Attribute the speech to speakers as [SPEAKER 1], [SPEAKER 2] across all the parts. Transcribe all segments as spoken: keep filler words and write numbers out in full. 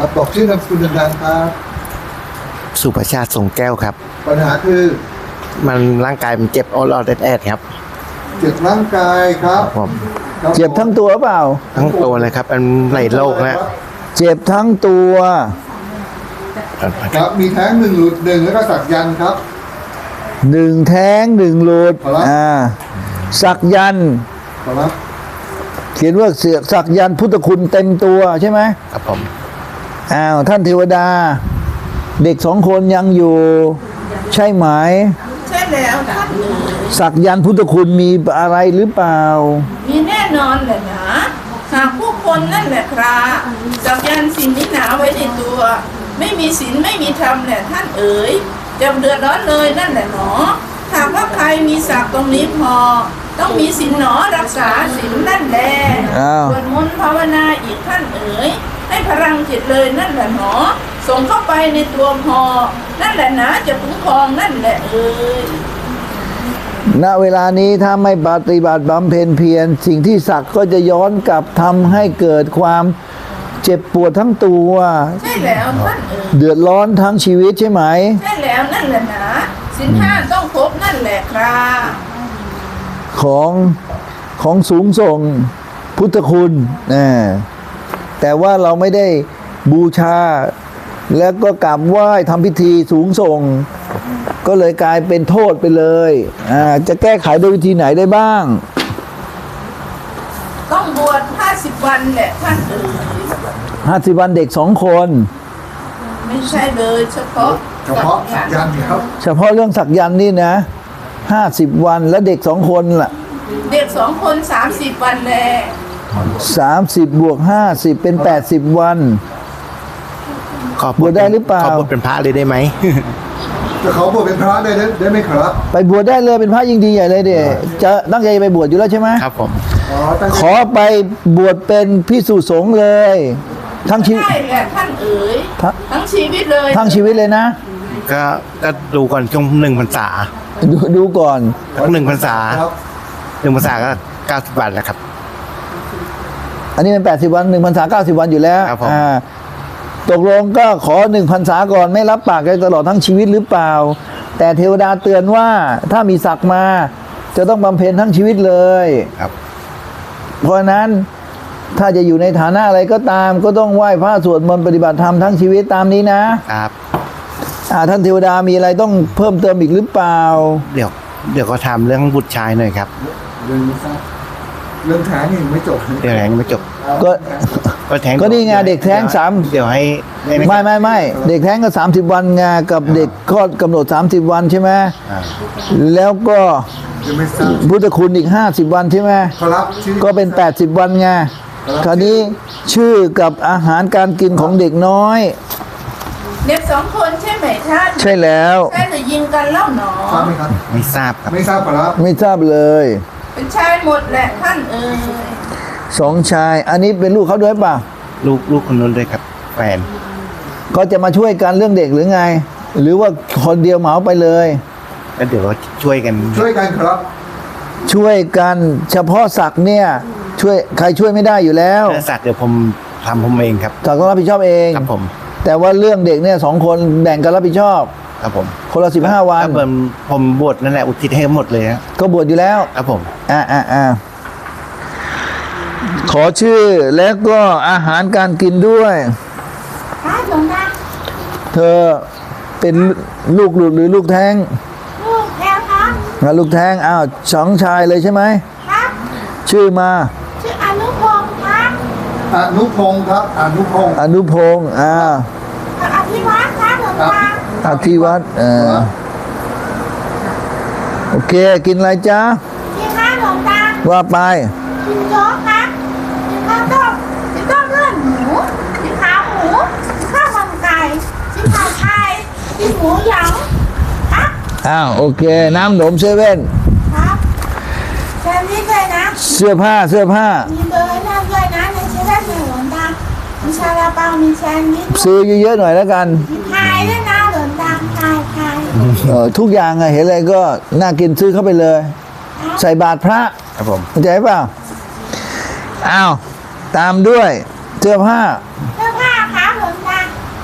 [SPEAKER 1] ครับบอกชื่อนามสกุลดังๆครับ
[SPEAKER 2] สุประชาติทรงแก้วครับ
[SPEAKER 1] ปัญหาคือ
[SPEAKER 2] มันร่างกายมันเจ็บออดออดแอดๆครับ
[SPEAKER 1] เจ็บร่างกายครับ
[SPEAKER 2] ผม
[SPEAKER 3] เจ็บทั้งตัวเปล่า
[SPEAKER 2] ทั้งตัวเลยครับมันไหลโรคนะ
[SPEAKER 3] เจ็บทั้งตัว
[SPEAKER 1] ครับมีแท้งหนึ่งหลุดหนึ่งแล้วก็สักยันต์ครับ
[SPEAKER 3] หนึ่งแท้งหนึ่งหลุดอ่าสักยันต์
[SPEAKER 1] ครับ
[SPEAKER 3] เขียนว่าเสือกสักยันต์พุทธคุณเต็มตัวใช่ไหม
[SPEAKER 2] ครับผม
[SPEAKER 3] อ้าวท่านเทวดาเด็กสองคนยังอยู่ใช่ไหม
[SPEAKER 4] ใช่แล้วท่าน
[SPEAKER 3] สักยันต์พุทธคุณมีอะไรหรือเปล่า
[SPEAKER 4] มีแน่นอนแหละนะหากผู้คนนั่นแหละครับสักยันต์สิ่งนี้หนาไว้ในตัวไม่มีศีลไม่มีธรรมแหละท่านเอ๋ยจะเดือดร้อนเลยนั่นแหละหนอหากว่าใครมีศักดิ์ตรงนี้พอต้องมีศีลหนอรักษาศีลนั่นแหละสวดมนต์ภาวนาอีกท่านเอ๋ยให้พลังจิตเลยนั่นแหละหนอส่งเข้าไปในตัวพอนั่นแหละนะจะคุ้มครองนั่นแหละเอ๋ย
[SPEAKER 3] ณเวลานี้ถ้าไม่ปฏิบัติบำเพ็ญเพียรสิ่งที่สักก็จะย้อนกลับทำให้เกิดความเจ็บปวดทั้งตัว
[SPEAKER 4] ใช่แล้วท่านเอ๋ย
[SPEAKER 3] เดือดร้อนทั้งชีวิตใช่ไหม
[SPEAKER 4] ใช่แล้วนั่นแหละนะศีลห้าต้องครบนั่นแหละครับ
[SPEAKER 3] ของของสูงส่งพุทธคุณนะแต่ว่าเราไม่ได้บูชาแล้วก็กราบไหว้ทำพิธีสูงส่งก็เลยกลายเป็นโทษไปเลยอ่าจะแก้ไขโดยวิธีไหนได้บ้าง
[SPEAKER 4] ต้องบวชห้าสิบวันแหละท่านเอ๋ย
[SPEAKER 3] ห้าสิบวันเด็กสองคน
[SPEAKER 4] ไม่ใช่เลยเฉพาะ
[SPEAKER 1] เฉพาะสักยันต์ครับ
[SPEAKER 3] เฉพาะเรื่องสักยันต์นี่นะห้าสิบวันแล้วเด็กสองคนล่ะ
[SPEAKER 4] เด็กสองคนสามสิบวันแหละ
[SPEAKER 3] สามสิบบวกห้าสิบเป็นแปดสิบวัน
[SPEAKER 2] ขอบวชได้หรือเปล่าขอบวชเป็นพระเลยได้ไหม
[SPEAKER 1] จะเขาบวชเป็นพระได้ได้ไหมครับ
[SPEAKER 3] ไปบวชได้เลยเป็นพระยิ่งดีใหญ่เลยเดี๋ยจะตั้งใจไปบวชอยู่แล้วใช่ไหม
[SPEAKER 2] ครับผม
[SPEAKER 3] ขอไปบวชเป็นภิกษุสงฆ์เลยทั้งชีวิต
[SPEAKER 4] ใช่แหละท่านเอ๋ยทั้งชีวิตเลย
[SPEAKER 3] ทั้งชีวิตเลยนะ
[SPEAKER 2] ก็ก็ดูก่อนช่วงหนึ่งพรรษา
[SPEAKER 3] ดูดูก่อน
[SPEAKER 2] ทั้งหนึ่งพรรษาหนึ่งพรรษาก็เก้าสิบวันแล้วครับ
[SPEAKER 3] อันนี้เป็นแปดสิบวันหนึ่งพรรษาเก้าสิบวันอยู่แล้วอ่าตกลงก็ขอหนึ่งพรรษาก่อนไม่รับปากกันตลอดทั้งชีวิตหรือเปล่าแต่เทวดาเตือนว่าถ้ามีศักดิ์มาจะต้องบำเพ็ญทั้งชีวิตเลย
[SPEAKER 2] ครับ
[SPEAKER 3] เพราะนั้นถ้าจะอยู่ในฐานะอะไรก็ตามก็ต้องไหว้พระสวดมนต์ปฏิบัติธรรมทั้งชีวิตตามนี้นะครับอ่าท่านเทวดามีอะไรต้องเพิ่มเติมอีกหรือเปล่า
[SPEAKER 2] เดี๋ยวเดี๋ยวก็ทำเรื่องบุตรชายหน่อยครับ
[SPEAKER 1] เรื่องนี้เรื่องแท้งยังไม่จบ
[SPEAKER 2] เรื่องแท้งไม่จบ
[SPEAKER 3] ก็
[SPEAKER 2] ก็แท้ง
[SPEAKER 3] ก็นี่ไงเด็กแท้งสาม
[SPEAKER 2] เดี๋ยวให้
[SPEAKER 3] ไม่ไม่ไม่เด็กแท้งก็สามสิบวันไงกับเด็กคลอดกำหนดสามสิบวันใช่ไหมแล้วก็พุทธคุณอีกห้าสิบวันใช่ไหมก็เป็นแปดสิบวันไงคราวนี้ชื่อกับอาหารการกินของเด็กน้อย
[SPEAKER 4] เด็กสองคนใช่ไหมท่าน
[SPEAKER 3] ใช่แล้ว
[SPEAKER 4] ใช่หรือยิงกันเล่าหนอ
[SPEAKER 1] ทราบไหมครับ
[SPEAKER 2] ไม่ทราบครับ
[SPEAKER 1] ไม่ทราบครับ
[SPEAKER 3] ไม่ทราบเลย
[SPEAKER 4] เป็นชายหมดแหละท่านเอ๋ย
[SPEAKER 3] สองชายอันนี้เป็นลูกเขาด้วยป่ะ
[SPEAKER 2] ลูกลูกคนนู้นด้วยครับแฟน
[SPEAKER 3] ก็จะมาช่วยกันเรื่องเด็กหรือไงหรือว่าคนเดียวเหมาไปเลย
[SPEAKER 2] ก็เดี๋ยวช่วยกัน
[SPEAKER 1] ช่วยกันครับ
[SPEAKER 3] ช่วยกันเฉพาะศักดิ์เนี่ยช่วยใครช่วยไม่ได้อยู่แล้ว
[SPEAKER 2] ศักดิ์เดี๋ยวผมทำผมเองครับ
[SPEAKER 3] ศักดิ์ต้องรับผิดชอบเอง
[SPEAKER 2] ครับผม
[SPEAKER 3] แต่ว่าเรื่องเด็กเนี่ยสองคนแบ่งกันรับผิดชอบ
[SPEAKER 2] ครับผม
[SPEAKER 3] คนละสิบห้าวัน
[SPEAKER 2] ผมผมบวชนั่นแหละอุทิศให้หมดเลย
[SPEAKER 3] ก็บวชอยู่แล้ว
[SPEAKER 2] ครับผม
[SPEAKER 3] อ่าอ่าอ่าขอชื่อแล้วก็อาหารการกินด้วยเธอเป็นลูกหลุดหรือลูกแท้ง
[SPEAKER 4] ลูกแท้ง
[SPEAKER 3] ครับลูกแท้งอ้าวสองชายเลยใช่ไหม
[SPEAKER 4] ครับ
[SPEAKER 3] ชื่อมา
[SPEAKER 4] ชื่ออนุพงศ์ครับ
[SPEAKER 1] อนุพงศ์ครับอนุพงศ์
[SPEAKER 3] อนุพงศ์อ่า
[SPEAKER 4] อภิวัตครับหลวงตา
[SPEAKER 3] อภิวัตอ่าโอเคกินอะไรจ๊ะ
[SPEAKER 4] กินข้าวหลวงตา
[SPEAKER 3] ว่าไป
[SPEAKER 4] กินโจ๊กครับกินข้าวต้มกินต้มเลือดหมูกินขาหมูกินข้าวมันไก่กินผัดไทยกินหมูหยองครับ
[SPEAKER 3] อ้าวโอเคน้ำหนมเซเว่น
[SPEAKER 4] ครับแซนด์วิชเลยนะ
[SPEAKER 3] เสื้อผ้าเสื้อผ้า
[SPEAKER 4] มีเบอร์นั่นด้วยนะในเซเว่นหลวงตามีซาลาเปามีแซนด์วิช
[SPEAKER 3] ซื้อเยอะๆหน่อยแล้วกัน
[SPEAKER 4] ไทยด้วยนะหลวงตาไทยไทย
[SPEAKER 3] เออทุกอย่างอะเห็นอะไรก็น่ากินซื้อเข้าไปเลยใส่บาตรพระ
[SPEAKER 2] ครับผม
[SPEAKER 3] เข้าใจเปล่าอ้าวตามด้วยเสื้อผ้า
[SPEAKER 4] เสื้อผ้าครับหลวงตา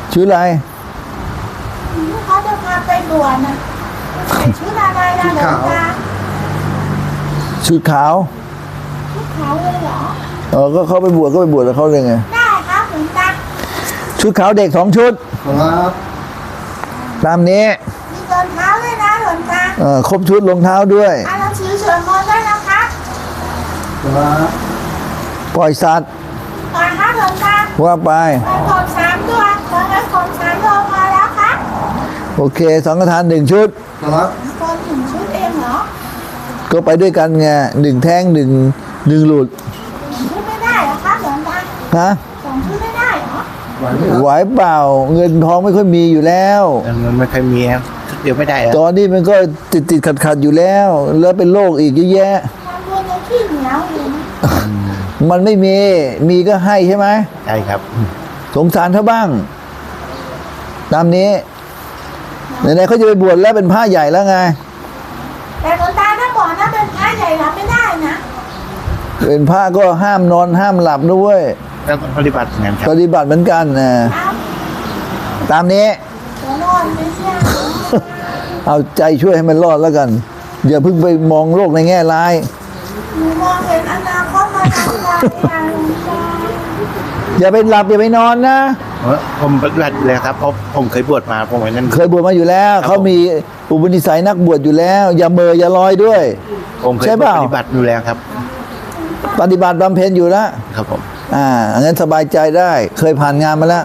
[SPEAKER 3] ชุดอะไร
[SPEAKER 5] เขาจะพาไปบวชนะใส่ชุดอะไรนะหลวงตา
[SPEAKER 3] ชุดขาว
[SPEAKER 5] ชุดขาวเลยเหรอ
[SPEAKER 3] เออก็เขาไปบวชก็ไปบวชแล้วเขาเลยไง
[SPEAKER 5] ได้ครับหลวงตา
[SPEAKER 3] ชุดขาวเด็กสองชุด
[SPEAKER 1] ครับ
[SPEAKER 3] ตามนี้
[SPEAKER 5] มีรองเท้าด้วยนะหลวงตา
[SPEAKER 3] เออครบชุดรองเท้าด้วย
[SPEAKER 5] อ่านหนังสือสวดมนต์ด้วยนะครับ
[SPEAKER 1] ครับ
[SPEAKER 3] ปล่อยสัตว์
[SPEAKER 5] ก่อนครับหลวงตา
[SPEAKER 3] ว่าไป
[SPEAKER 5] ไปกดสามตัวตอนนั้นกดสามตัวพอแล้วครับ
[SPEAKER 3] โอเคสังฆทานหนึ่งชุด
[SPEAKER 1] ครับ
[SPEAKER 5] กดถึงชุดเองเหรอ
[SPEAKER 3] ก็ไปด้วยกันไงหนึ่งแท่งหนึ่งหนึ่งหลุด
[SPEAKER 5] ชุดไม่ได้เหรอครับหลวงตา
[SPEAKER 3] ฮะ
[SPEAKER 5] สองชุดไม่ได้เหรอ
[SPEAKER 1] ไหวไหมครับ
[SPEAKER 3] ไหวเปล่าเงินทองไม่ค่อยมีอยู่แล้ว
[SPEAKER 2] มันไม่เคยมีครับเดี๋ยวไม่ได้แล้ว
[SPEAKER 3] ตอนนี้มันก็ติดติดขัดขัดๆอยู่แล้ว แล้วเป็นโรคอีกเยอะแยะ
[SPEAKER 5] ทำบุญในขี้เหนียวเลยนะ
[SPEAKER 3] มันไม่มี มีก็ให้ใช่ไหม
[SPEAKER 2] ใช่ครับ
[SPEAKER 3] สงสารเขาบ้าง ตามนี้ไหนๆเขาจะไปบวชแล้วเป็นผ้าใหญ่แล้วไง
[SPEAKER 5] แต่หลวงตาถ้าบอกนะเป็นพระใหญ่รับไม่ได้นะ
[SPEAKER 3] เป็นผ้าก็ห้ามนอนห้ามหลับด้วย
[SPEAKER 2] แล้วปฏิบัติงานครับ
[SPEAKER 3] ปฏิบัติเหมือนกันนะครับ ตามนี้
[SPEAKER 5] เดี๋ยวนอนไม่เชื่อ
[SPEAKER 3] เอาใจช่วยให้มันรอดแล้วกัน อย่าเพิ่งไปมองโลกในแง่ร้าย
[SPEAKER 5] หนูมองเห็นอนาคตมาทางไกลอะหลวงตา
[SPEAKER 3] อย่าไปหลับอย่าไปนอนนะ
[SPEAKER 2] เออผมปฏิบัติอยู่แล้วครับเพราะผมเคยบวชมาผมไว้นั่น
[SPEAKER 3] เคยบวชมาอยู่แล้ว
[SPEAKER 2] ครับ
[SPEAKER 3] เขามีอุปนิสัยนักบวชอยู่แล้ว อย่าเมออย่าลอยด้วย
[SPEAKER 2] ผมเคย
[SPEAKER 3] ใช่เปล่า
[SPEAKER 2] ปฏิบัติอยู่แล้วครับ
[SPEAKER 3] ปฏิบัติบำเพ็ญอยู่แล้ว
[SPEAKER 2] ครับผม
[SPEAKER 3] อ่างั้นสบายใจได้ เคยผ่านงานมาแล้ว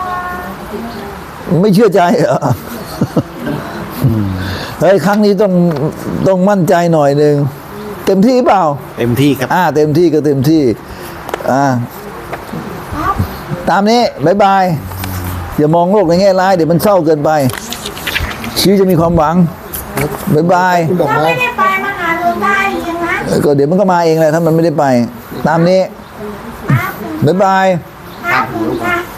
[SPEAKER 3] ไม่เชื่อใจเหรอเฮ้ยครั้งนี้ต้องต้องมั่นใจหน่อยหนึ่งเต็มที่เปล่า
[SPEAKER 2] เต็มที่ครับ
[SPEAKER 3] อ่า เต็มที่ก็เต็มที่ อ่า ตามนี้บายบาย อย่ามองโลกในแง่ร้ายเดี๋ยวมันเศร้าเกินไป ชีวิตจะมีความหวังบายบาย
[SPEAKER 1] คุณดอก
[SPEAKER 5] ถ้า
[SPEAKER 1] ไม้
[SPEAKER 5] ไม่ได้ไปมาหาหลวงตาอีกอย่างนั้น
[SPEAKER 3] เออก็เดี๋ยวมันก็มาเองแหละถ้ามันไม่ได้ไป ตามนี้
[SPEAKER 5] ครับ
[SPEAKER 3] บายบาย
[SPEAKER 5] ครับหลวงตา